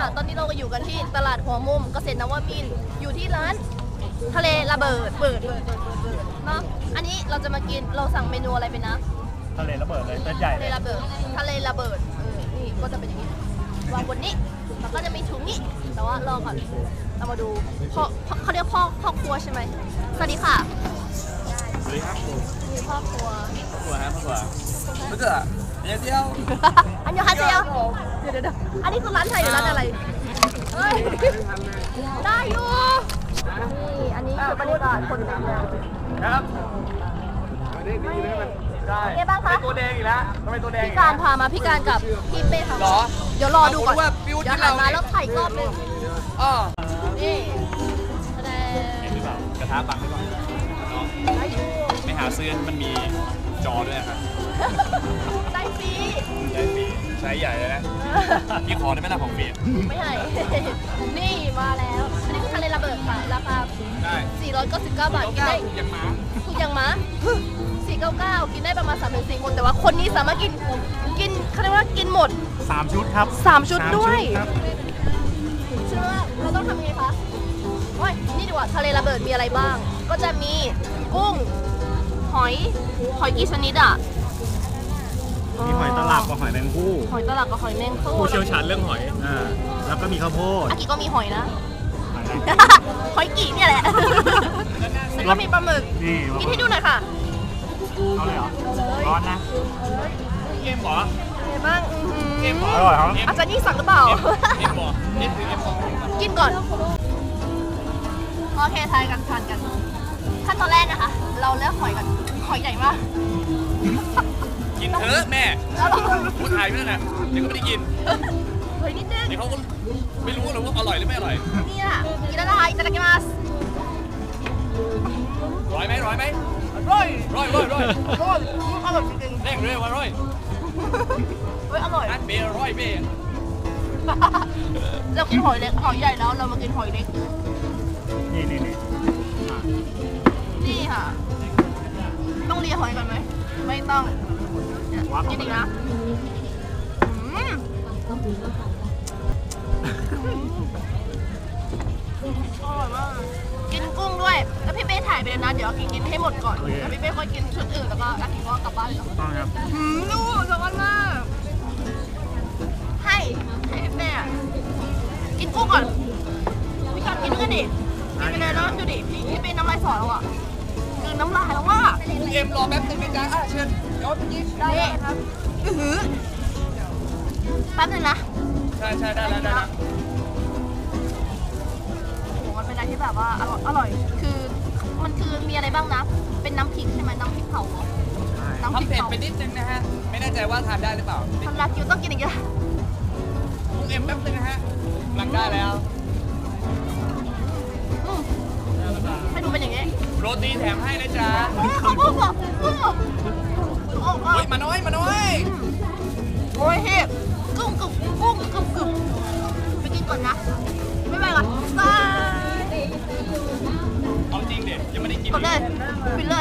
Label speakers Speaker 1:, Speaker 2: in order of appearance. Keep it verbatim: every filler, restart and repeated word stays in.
Speaker 1: ค่ะตอนนี้เราก็อยู่กันที่ตลาดหัวมุมเกษตรนวมินทร์อยู่ที่ร้านทะเลระเบิดเบิดเบิดเบิดเบิดเบิดเนาะอันนี้เราจะมากินเราสั่งเมนูอะไรไปนะ
Speaker 2: ทะเลระเบิดเลยเส้นใหญ่
Speaker 1: ทะเลระเบิดทะเลระเบิดเออนี่ก็จะเป็นอย่างนี้วางบนนี้แล้วก็จะมีถุงนี้แต่ว่ารอก่อนเรามาดูพ่อพ่อเขาเรียกพ่อพ่อครัวใช่ไหมสวัสดีค่ะ
Speaker 2: สวัสดีครับ
Speaker 1: มีพ่อครัว
Speaker 2: ตัวฮะตัวไม่เจอเดี๋ยวเดียว
Speaker 1: อันยองฮาเซียวเดี๋ยวเดี๋ยวเดี๋ยวอันนี้คือร้านไทยหรือร้านอะไรเฮ้ยได้อยู่นี่อันนี้คือบรรยากาศคนเต็มเลย
Speaker 2: ครับนี่ดีเลยมันได้
Speaker 1: เป็นไงบ้างคะ
Speaker 2: ตัวแดงอีกแล้วทำไมตัวแดง
Speaker 1: พี่การพามาพี่การกับพี่เป้ค่ะ
Speaker 2: หรอ
Speaker 1: เดี๋ยวรอดูก่อน
Speaker 2: ว่าฟิว
Speaker 1: เดี๋ยว
Speaker 2: ที่
Speaker 1: หัน
Speaker 2: เรา
Speaker 1: มาแล้วถ่ายอีกรอบหนึง
Speaker 2: อ๋อ
Speaker 1: นี่แสดง
Speaker 3: เห็นหรือเปล่ากระทะบังหรือเปล่าน้อง
Speaker 1: ได้อยู่
Speaker 3: ไม่หาซื้อมันมีจอด้วยนะครับ
Speaker 1: ได้ฟรี
Speaker 3: ใช้ฟรีใช้ใหญ่เลยนะพี่ขอได้ไหมล่ะของฟรี
Speaker 1: ไม่ให้ นี่มาแล้ว อันนี้คือทะเลระเบิดค่ะ ราคา
Speaker 3: ได้
Speaker 1: สี่ร้อยเก้าสิบเก้าบาท กินได้
Speaker 3: ยังหมา
Speaker 1: ถูกอย่างม้าสี่ร้อยเก้าสิบเก้า กินได้ประมาณสามถึงสี่คน แต่ว่าคนนี้สามารถกิน กินเขาเรียกว่ากินหมด
Speaker 2: สามชุดครับ
Speaker 1: สามชุดด้วย
Speaker 2: ครับ
Speaker 1: เชื่อว่าเราต้องทำยังไงคะโอ้ยนี่ดีกว่าทะเลระเบิดมีอะไรบ้าง ก็จะมีกุ้ง หอย หอยกี่ชนิดอ่ะ
Speaker 2: มีหอยตลับกับหอยแมงผู้
Speaker 1: หอยตลับกับหอยแมงคู่
Speaker 3: ผู้เชี่ยวชาญเรื่องหอย
Speaker 2: อ่าแล้วก็มีข้าวโพด
Speaker 1: อากิก็มีหอยนะ
Speaker 2: หอยแมง
Speaker 1: หอยกี่เนี่ยแหละ แล้วก็มีปลาหมึก
Speaker 2: นี่
Speaker 1: กินให้ดูหน่อยค่ะ
Speaker 2: เอาเลยเหรอร้อนนะ
Speaker 3: เอ็มเหรอ
Speaker 1: เป็นไงบ้างอื้อหื
Speaker 3: เอ็มเหร
Speaker 2: อร่อยครับ
Speaker 1: อาจารย์ยิ่งสั่งหรือเปล่า
Speaker 3: เอ็มเหรอเอ็มคือเอ็มเหรอ
Speaker 1: กินก่อน โอเคทายกันทานกัน ขั้นตอนแรกนะคะ เราเลือกหอยก่อนหอยใหญ่มาก
Speaker 3: กินเถอะแม่
Speaker 1: แล้วเรา
Speaker 3: พูดถ่ายไม่ได้นะเดี๋ยวก็ไม่ได้กิน
Speaker 1: หอยนิดนึง
Speaker 3: เดี๋ยวเขาก็ไม่รู้หรอกว่าอร่อยหรือไม่อร่อย
Speaker 1: เนี่ยกินแล้วนะคะอิตาลีมาส
Speaker 3: ร้อยไหมร้อยไหม
Speaker 1: อร่อย
Speaker 3: ร้อยร้อยร้อย
Speaker 1: อร่อยอร่อยจริง
Speaker 3: แรงเลยว่าร้อย
Speaker 1: ๆเฮ้ยอร่อย
Speaker 3: นัดเบย์ร้อยเบย์
Speaker 1: เรากินหอยเล็กหอยใหญ่แล้วเรามากินหอยเล็ก
Speaker 2: นี่นี่นี่
Speaker 1: นี่ค่ะ ต้องเลียหอยก่อนไหม ไม่ต้องเนี่ยกินอีกนะอืมอร่อยมากกินกุ้งด้วย แล้วพี่เป้ถ่ายไปเลยนะ เดี๋ยวอากินกินให้หมดก่อนแล้วพี่เป้ค่อยกินชุดอื่นแล้วก็อากิก็กลับบ้านเลย
Speaker 2: ต้องครับ
Speaker 1: หืมดูสวรรค์มากให้ให้พี่เป้อะกินกุ้งก่อน พี่การกินด้วยดิกินไปเลยแล้วดูดิ พี่พี่เป้น้ำลายสอแล้วอ่ะคือน้ำลายแล้วว่า
Speaker 3: เอ็มรอแป๊บนึงนะจ๊ะอ่ะเชิญเดี๋ยวพี่
Speaker 1: ได้ครับอือหือแป๊บนึงนะ
Speaker 3: ใช่ใช่ได้แล้วได้แล้ว
Speaker 1: โอ้โหมันเป็นอะไรที่แบบว่าอร่อยอร่อย คือมันคือมีอะไรบ้างนะ เป็นน้ำพริกใช่ไหมน้ำพริกเผาเหรอน้ำพริก
Speaker 3: ทำเผ็ด
Speaker 1: เผา
Speaker 3: ไปนิดนึงนะฮะ ไม่แน่ใจว่าทานได้หรือเปล่า
Speaker 1: ทำลาคิวต้องกินอีกแล้ว
Speaker 3: กุ้งเอ็มแป๊บนึงนะฮะกำลังได้แล้ว
Speaker 1: อืมให้ดูเป็นอย่างงี้
Speaker 3: โรตีแถมให้นะจ๊ะ
Speaker 1: โอ้ยขอบคุณค่ะโอ้ยโอ้ย
Speaker 3: เฮ้ยมาน้อยมาน้อย
Speaker 1: โอ้ยเฮ้ยกุ้งกุ้งกุ้งกุ้งกุ้งไปกินก่อนนะ ไม่ไปก่อนบาย
Speaker 3: เอาจริงเด็กยังไม่ได้กิน
Speaker 1: กดเลยปิดเลย